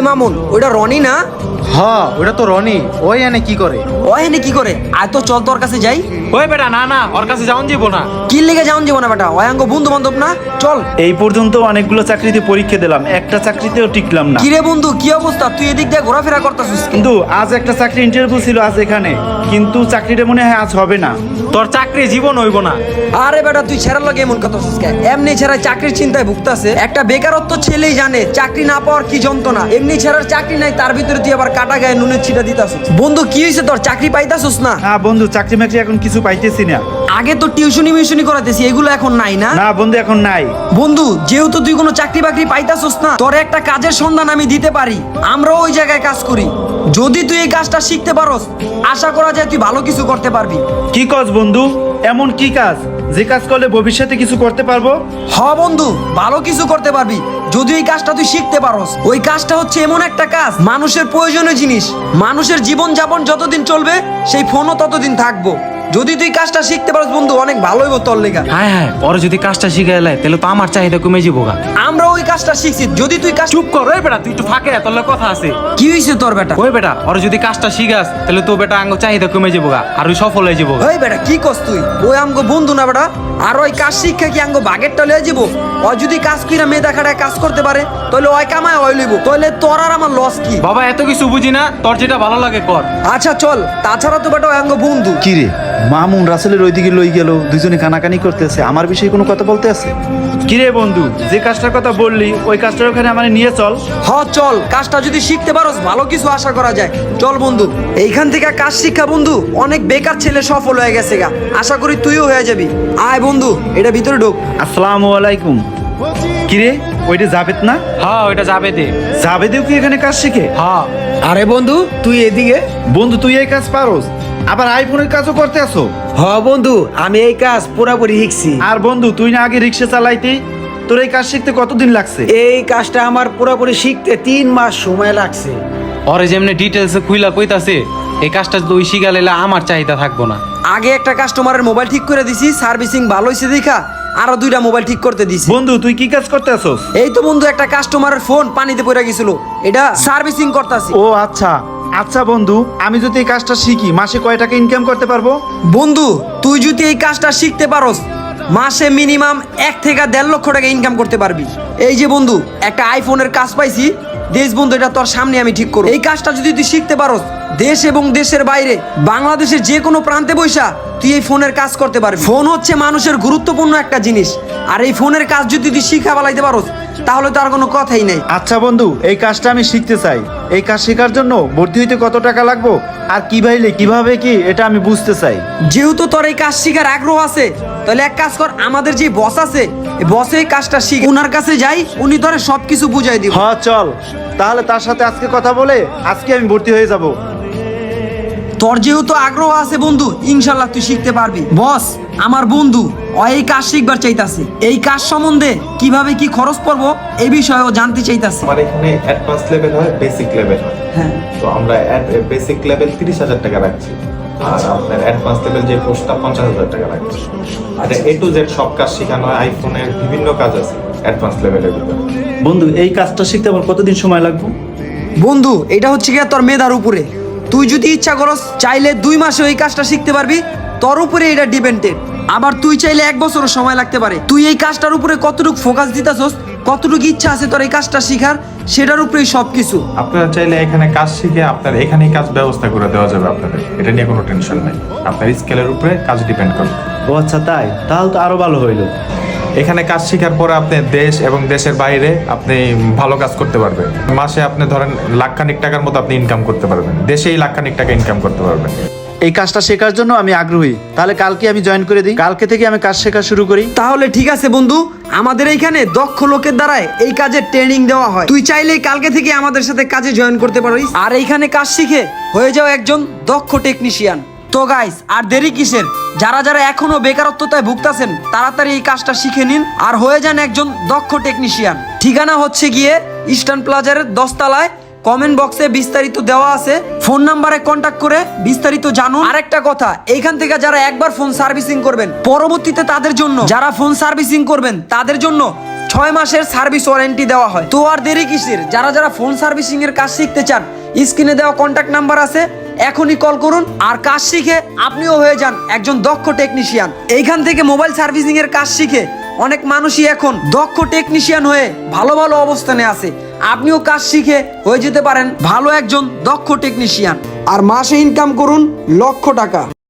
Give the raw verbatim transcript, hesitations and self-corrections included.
মামুন, ওইটা রনি না? হ্যাঁ ওটা তো রনি। ওই এনে কি করে? ও এনে কি করে? আয় তো চল তোর কাছে যাই। ওই বেটা না না, ওর কাছে যাওন যাব না। কি লেগে যাওন যাব না বেটা? ওয়াঙ্গ বন্ধু বান্ধব না? চল। এই পর্যন্ত অনেকগুলো চাকরিতে পরীক্ষা দিলাম, একটা চাকরিতেও টিকলাম না। কিরে বন্ধু, কি অবস্থা? তুই এদিক দিয়ে ঘোরাফেরা করতেছিস? কিন্তু আজ একটা চাকরি ইন্টারভিউ ছিল আজ এখানে, কিন্তু চাকরিটা মনে হয় আজ হবে না। তোর চাকরি জীবন হইব না। আরে বেটা তুই ছেড়ার লাগে এমন কথা শুনছিস কেন? এমনি ছেড়া চাকরির চিন্তায় ভুগতাছে। একটা বেকারত্ব ছেলেই জানে চাকরি না পাওয়ার কি যন্ত্রণা। এমনি ছেড়ার চাকরি নাই, তার ভিতরে তুই আবার কাটা গায়ে নুনের ছিটা দিতাছিস। বন্ধু কি হয়েছে তোর? চাকরি পাইতাছিস না? হ্যাঁ বন্ধু, চাকরি মাকরি এখন কিছু পাইতেছি না। আগে তো টিউশনি মিউশনি করাতেছি, এগুলো এখন নাই না? না বন্ধু এখন নাই। বন্ধু যেহেতু তুই কোনো চাকরি বাকরি পাইতাছিস না, তোর একটা কাজের সন্ধান আমি দিতে পারি। আমরাও ওই জায়গায় কাজ করি। যদি তুই এই কাজটা শিখতে পারোস, আশা করা যায় তুই ভালো কিছু করতে পারবি। কি কাজ বন্ধু? এমন কি কাজ যে কাজ করলে ভবিষ্যতে কিছু করতে পারবো? হ বন্ধু, ভালো কিছু করতে পারবি যদি এই কাজটা তুই শিখতে পারোস। ওই কাজটা হচ্ছে এমন একটা কাজ, মানুষের প্রয়োজনীয় জিনিস। মানুষের জীবন যাপন যতদিন চলবে, সেই ফোনও ততদিন থাকবো। যদি তুই কাজটা শিখতে পারোস বন্ধু, অনেক ভালো হইব তোর লেগা। হ্যাঁ হ্যাঁ, ওর যদি কাজটা শিখে এলাই তাহলে তো আমার চাহিদা কমে যাবো গা। আমরা ওই কাজটা শিখছি, যদি তুই কাজ চুপ কর ওই বেটা, তুই একটু ফাঁকে আয়, তোর লগে কথা আছে। কি হয়েছে তোর বেটা? ওই বেটা, ওর যদি কাজটা শিখাস তাহলে তো বেটা আঙ্গ চাহিদা কমে যাবো গা, আর ওই সফল হয়ে যাবো গা। ওই বেটা কি করছ তুই? ওই আমগো বন্ধু না বেটা? আর ওই কাজ শিক্ষা কি আঙ্গো বাগেরটা লয়ে যাবো? ওই যদি কাজ কইরা মেধা খাটায় কাজ করতে পারে, তাহলে ওই কামায় ওই লইব। তাহলে তোর আর আমার লস কি? বাবা এত কিছু বুঝি না, তোর যেটা ভালো লাগে কর। আচ্ছা চল, তাছাড়া তো বেটা ওই আঙ্গো বন্ধু। কি রে, মামুন রাসেলের ওইদিকে লই গেল, দুজনে কানাকানি করতেছে, আমার বিষয়ে কোনো কথা বলতে আছে? কি রে বন্ধু, যে কাজটার কথা বললি ওই কাজটার ওখানে আমার নিয়ে চল। হ চল, কাজটা যদি শিখতে পারোস ভালো কিছু আশা করা যায়। চল বন্ধু, এইখান থেকে কাজ শিক্ষা বন্ধু, অনেক বেকার ছেলে সফল হয়ে গেছে গা। আশা করি তুইও হয়ে যাবি। আয় বন্ধু, এটা ভিতরে ঢোক। আসসালামু আলাইকুম। কি রে, ওইটা জাবেদ না? হ্যাঁ ওইটা যাবে দে। জাবেদেও কি এখানে কাজ শিখে? হ্যাঁ। আরে বন্ধু তুই এদিকে। বন্ধু তুই এই কাজ পারোস, আবার আইফোনের কাজও করতে আসো? হ বন্ধু, আমি এই কাজ পুরাপুরি শিখছি। আর বন্ধু তুই না আগে রিক্সা চালাইতি, তোর এই কাজ শিখতে কতদিন লাগছে? এই কাজটা আমার পুরাপুরি শিখতে তিন মাস সময় লাগছে। ওরে যেমনি ডিটেলসে খুইলা কইতাছে, এই কাজটা যদি ওই শিখা লাইলে আমার চাহিদা থাকবো না। আগে একটা কাস্টমারের মোবাইল ঠিক করে দিছি, সার্ভিসিং ভালো হয়েছে দেখা আরো দুইটা মোবাইল ঠিক করতে দিছি। বন্ধু তুই কি কাজ করতে আসোস? এই তো বন্ধু, একটা কাস্টমারের ফোন পানিতে পড়ে গেছিল, এটা সার্ভিসিং করতেছি। ও আচ্ছা আচ্ছা বন্ধু, আমি যদি এই কাজটা শিখি মাসে কয় টাকা ইনকাম করতে পারবো? বন্ধু তুই যদি এই কাজটা শিখতে পারোস, মাসে মিনিমাম এক থেকে দেড় লক্ষ টাকা ইনকাম করতে পারবি। এই যে বন্ধু, একটা আইফোনের কাজ পাইছি, দেশ বন্ধু এটা তোর সামনে আমি ঠিক করব। এই কাজটা যদি তুই শিখতে পারোস, দেশ এবং দেশের বাইরে বাংলাদেশের যে কোনো প্রান্তে বৈশা তুই এই ফোনের কাজ করতে পারবি। ফোন হচ্ছে মানুষের গুরুত্বপূর্ণ একটা জিনিস, আর এই ফোনের কাজ যদি তুই শিখা ফেলাইতে পারোস, তাহলে তো আর কোনো কথাই নেই। আচ্ছা বন্ধু, এই কাজটা আমি শিখতে চাই। এই কাজ শেখার জন্য ভর্তি হইতে কত টাকা লাগবে আর কি ভাইলে কিভাবে কি, এটা আমি বুঝতে চাই। যেহেতু তোর এই কাজ শিখার আগ্রহ আছে, তাহলে এক কাজ কর, আমাদের যে বস আছে এই বসে এই কাজটা শিখ, ওনার কাছে যাই, উনি তোরে সবকিছু বুঝাই দিব। হ্যাঁ চল, তাহলে তার সাথে আজকে কথা বলে আজকে আমি ভর্তি হয়ে যাব। তোর যেহেতু আগ্রহ আছে বন্ধু, ইনশাল্লাহ তুই শিখতে পারবি। বস আমার বন্ধু ও এই কাজ শিখবার চাইতাছে, এই কাজ সম্বন্ধে কিভাবে কি খরচ পড়বো এই বিষয়ে ও জানতে চাইতাছে। আমার এখানে অ্যাডভান্স লেভেল হয়, বেসিক লেভেল হয়। হ্যাঁ, তো আমরা বেসিক লেভেল তিরিশ হাজার টাকা রাখছি, আর আপনার অ্যাডভান্স লেভেল যে কোর্সটা পঞ্চাশ হাজার টাকা রাখছি। আর এ টু জেড সব কাজ শেখানো হয়, আইফোনের বিভিন্ন কাজ আছে অ্যাডভান্স লেভেলের ভিতরে। বন্ধু এই কাজটা শিখতে আমার কতদিন সময় লাগবে? বন্ধু এটা হচ্ছে কি তোর মেধার উপরে, তুই যদি ইচ্ছা করস চাইলে দুই মাসে ওই কাজটা শিখতে পারবি, তোর উপরে এটা ডিপেন্ডেড। আবার তুই চাইলে এক বছরও সময় লাগতে পারে। তুই এই কাজটার উপরে কতটুকু ফোকাস দিতেছস, কতটুকু ইচ্ছা আছে তোর এই কাজটা শিখার, সেটার উপরেই সবকিছু। আপনারা চাইলে এখানে কাজ শিখে আপনার এখানেই কাজ ব্যবস্থা করে দেওয়া যাবে আপনাদের, এটা নিয়ে কোনো টেনশন নেই। আপনার স্কেলের উপরে কাজ ডিপেন্ড করে। ও আচ্ছা তাই, তাহলে তো আরো ভালো হইলো। এখানে কাজ শেখার পরে আপনি দেশ এবং দেশের বাইরে আপনি ভালো কাজ করতে পারবেন। মাসে আপনি ধরেন লাখখানিক টাকার মতো আপনি ইনকাম করতে পারবেন, দেশেই লাখখানিক টাকা ইনকাম করতে পারবেন। এই কাজটা শেখার জন্য আমি আগ্রহী, তাহলে কালকে আমি জয়েন করে দিই, কালকে থেকে আমি কাজ শেখা শুরু করি। তাহলে ঠিক আছে বন্ধু, আমাদের এইখানে দক্ষ লোকের দ্বারাই এই কাজের ট্রেনিং দেওয়া হয়। তুই চাইলে কালকে থেকে আমাদের সাথে কাজে জয়েন করতে পারিস, আর এইখানে কাজ শিখে হয়ে যাও একজন দক্ষ টেকনিশিয়ান। তো গাইস আর দেরি কিসের, যারা যারা এখনো বেকারত্বতায় ভুগতাছেন তাড়াতাড়ি এই কাজটা শিখে নিন আর হয়ে যান একজন দক্ষ টেকনিশিয়ান। ঠিকানা হচ্ছে গিয়ে ইস্টার্ন প্লাজার দশতলায়, কমেন্ট বক্সে বিস্তারিত দেওয়া আছে, ফোন নাম্বারে কন্ট্যাক্ট করে বিস্তারিত জানুন। আরেকটা কথা, এইখান থেকে যারা একবার ফোন সার্ভিসিং করবেন, পরবর্তীতে তাদের জন্য যারা ফোন সার্ভিসিং করবেন তাদের জন্য ছ ছয় মাসের সার্ভিস ওয়ারেন্টি দেওয়া হয়। তো আর দেরি কিসের, যারা যারা ফোন সার্ভিসিং এর কাজ শিখতে চান স্ক্রিনে দেওয়া কন্ট্যাক্ট নাম্বার আছে, এখনই কল করুন আর কাজ শিখে আপনিও হয়ে যান একজন দক্ষ টেকনিশিয়ান। এইখান থেকে মোবাইল সার্ভিসিং এর কাজ শিখে অনেক মানুষই এখন দক্ষ টেকনিশিয়ান হয়ে ভালো ভালো অবস্থানে আছে। আপনিও কাজ শিখে হয়ে যেতে পারেন ভালো একজন দক্ষ টেকনিশিয়ান আর মাসে ইনকাম করুন লক্ষ টাকা।